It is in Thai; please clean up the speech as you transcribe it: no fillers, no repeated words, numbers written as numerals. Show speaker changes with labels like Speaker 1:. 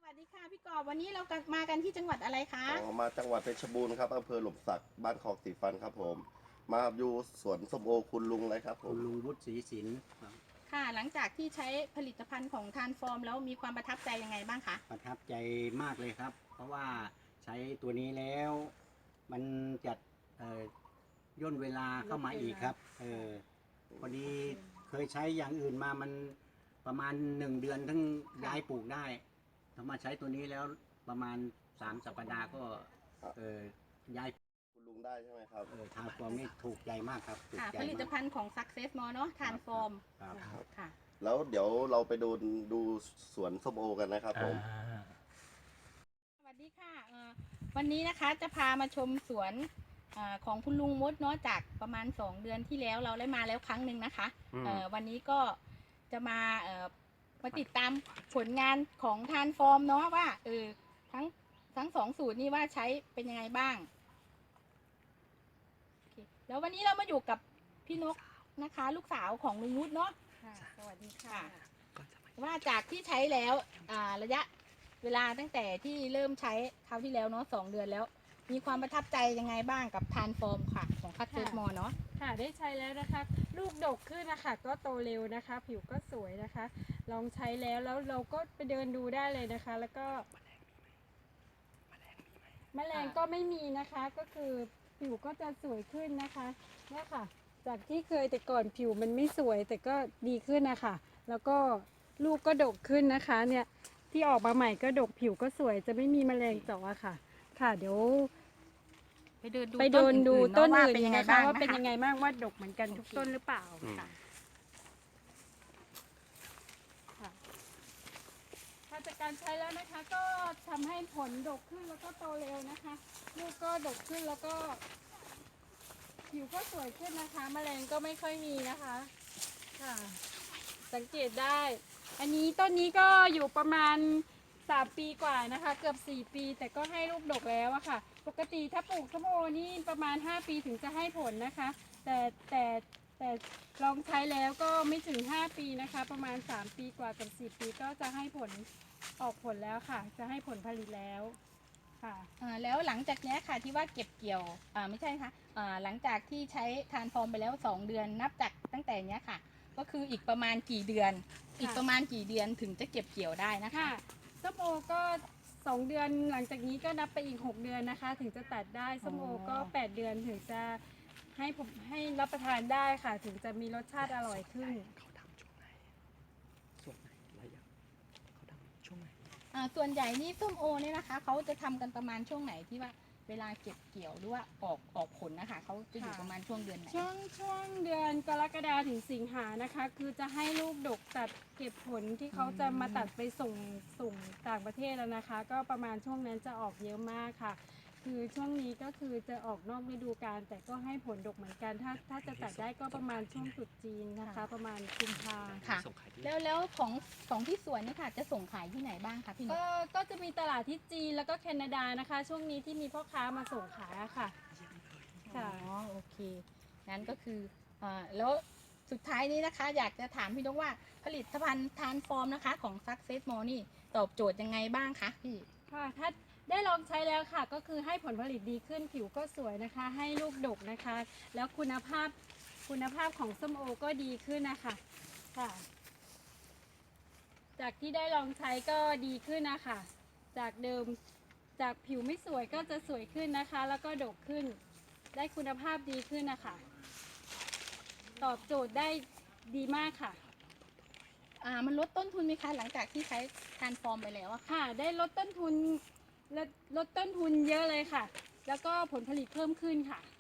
Speaker 1: วัสดีค่ะพี่กอบวันนี้เรามากันที่จังหวัดอะไรคะ
Speaker 2: มาจังหวัดเพชรบูรณ์ครับอำเภอหล่มสักบ้านคลองสีฟันครับผมมาอยู่สวนส้มโอคุณลุงเลยครับผม
Speaker 3: คุณลุงวุฒิศรีศิลป์
Speaker 1: ค่ะหลังจากที่ใช้ผลิตภัณฑ์ของทานฟอร์มแล้วมีความประทับใจยังไงบ้างคะ
Speaker 3: ประทับใจมากเลยครับ เพราะว่าใช้ตัวนี้แล้ว มันจะย่นเวลาเข้ามาอีกครับพอดีเคยใช้อย่างอื่นมามันประมาณ1 เดือนทั้งย้ายปลูกได้ถ้ามาใช้ตัวนี้แล้วประมาณ3 สัปดาห์ก็ย้าย
Speaker 2: คุณลุงได้ใช่ไหมครับ
Speaker 3: ทางฟอร์มนี่ถูกใจมากครับถูก
Speaker 1: ค่ะ
Speaker 3: ใจ
Speaker 1: ผลิตภัณฑ์ของ Success More เนาะทานฟอร์ม
Speaker 3: ครับ
Speaker 1: ค่ะ
Speaker 2: แล้วเดี๋ยวเราไปดูสวนส้มโอกันนะครับผม
Speaker 1: สวัสดีค่ะวันนี้นะคะจะพามาชมสวนของคุณลุงมดเนาะจากประมาณ2 เดือนที่แล้วเราได้มาแล้วครั้งหนึ่งนะคะวันนี้ก็จะมาติดตามผลงานของทานฟอร์มเนาะว่าทั้ง2 สูตรนี้ว่าใช้เป็นยังไงบ้างแล้ววันนี้เรามาอยู่กับพี่นกนะคะลูกสาวของลุงนุชเนาะสวัสดีค่ะว่าจากที่ใช้แล้วระยะเวลาตั้งแต่ที่เริ่มใช้คราวที่แล้วเนาะ2 เดือนแล้วมีความประทับใจยังไงบ้างกับทานฟอร์มค่ะของคัตเตอร์มอเนาะ
Speaker 4: ค่ะได้ใช้แล้วนะคะลูกดกขึ้นนะคะก็โตเร็วนะคะผิวก็สวยนะคะลองใช้แล้วเราก็ไปเดินดูได้เลยนะคะแล้วก็แมลงก็ไม่มีนะคะก็คือผิวก็จะสวยขึ้นนะคะเนี่ยค่ะจากที่เคยแต่ก่อนผิวมันไม่สวยแต่ก็ดีขึ้นนะคะแล้วก็ลูกก็ดกขึ้นนะคะเนี่ยที่ออกมาใหม่ก็ดกผิวก็สวยจะไม่มีแมลงเจาะค่ะค่ะเดี๋ยวไปเดินดูต้นอื่นนะคะว่าเป็นยังไงบ้างว่าดกเหมือนกันทุกต้นหรือเปล่าค่ะถ้าจากการใช้แล้วนะคะก็ทำให้ผลดกขึ้นแล้วก็โตเร็วนะคะลูกก็ดกขึ้นแล้วก็ผิวก็สวยขึ้นนะคะแมลงก็ไม่ค่อยมีนะคะค่ะสังเกตได้อันนี้ต้นนี้ก็อยู่ประมาณ3 ปีกว่านะคะเกือบ4 ปีแต่ก็ให้ลูกดกแล้วอะค่ะปกติถ้าปลูกส้มโอนี่ประมาณ5 ปีถึงจะให้ผลนะคะแต่ลองใช้แล้วก็ไม่ถึง5 ปีนะคะประมาณ3 ปีกว่ากับ4 ปีก็จะให้ผลออกผลแล้วค่ะจะให้ผลผลิตแล้วค่ะ
Speaker 1: แล้วหลังจากนี้ค่ะที่ว่าเก็บเกี่ยวไม่ใช่ค่ะหลังจากที่ใช้ทานฟอร์มไปแล้ว2 เดือนนับจากตั้งแต่นี้ค่ะก็คืออีกประมาณกี่เดือนถึงจะเก็บเกี่ยวได้นะคะ
Speaker 4: ส้มโอก็2 เดือนหลังจากนี้ก็นับไปอีก6 เดือนนะคะถึงจะตัดได้ส้มโอก็8 เดือนถึงจะให้รับประทานได้ค่ะถึงจะมีรสชาติอร่อยขึ้น
Speaker 1: ส่วนใหญ่นี่ส้มโอเนี่ยนะคะเขาจะทำกันประมาณช่วงไหนที่ว่าเวลาเก็บเกี่ยวหรือว่าออกผลนะคะเขาจะอยู่ประมาณช่วงเดือนไหน
Speaker 4: ช่วงเดือนกรกฎาถึงสิงหานะคะคือจะให้ลูกดกตัดเก็บผลที่เขาจะมาตัดไปส่งต่างประเทศแล้วนะคะก็ประมาณช่วงนั้นจะออกเยอะมากค่ะคือช่วงนี้ก็คือจะออกนอกฤดูกาลแต่ก็ให้ผลดกเหมือนกันถ้าจะตัดได้ก็ประมาณช่วงตรุษจีนนะคะประมาณกุมภา
Speaker 1: ค่ะแล้วของที่สวนนี่ค่ะจะส่งขายที่ไหนบ้างคะพี่นก
Speaker 4: ก็จะมีตลาดที่จีนแล้วก็แคนาดานะคะช่วงนี้ที่มีพ่อค้ามาส่งขายค่ะ
Speaker 1: อ๋อโอเคงั้นก็คือแล้วสุดท้ายนี้นะคะอยากจะถามพี่นกว่าผลิตภัณฑ์ทานฟอร์มนะคะของ Success More นี่ตอบโจทย์ยังไงบ้างคะพี่
Speaker 4: ค่ะถ้าได้ลองใช้แล้วค่ะก็คือให้ผลผลิตดีขึ้นผิวก็สวยนะคะให้ลูกดกนะคะแล้วคุณภาพของส้มโอก็ดีขึ้นนะคะค่ะจากที่ได้ลองใช้ก็ดีขึ้นนะคะจากเดิมจากผิวไม่สวยก็จะสวยขึ้นนะคะแล้วก็ดกขึ้นได้คุณภาพดีขึ้นนะคะตอบโจทย์ได้ดีมากค่ะ
Speaker 1: มันลดต้นทุนไหมคะหลังจากที่ใช้ทานฟอร์มไปแล้วอะ
Speaker 4: ค่ะได้ลดต้นทุนเยอะเลยค่ะแล้วก็ผลผลิตเพิ่มขึ้นค่ะ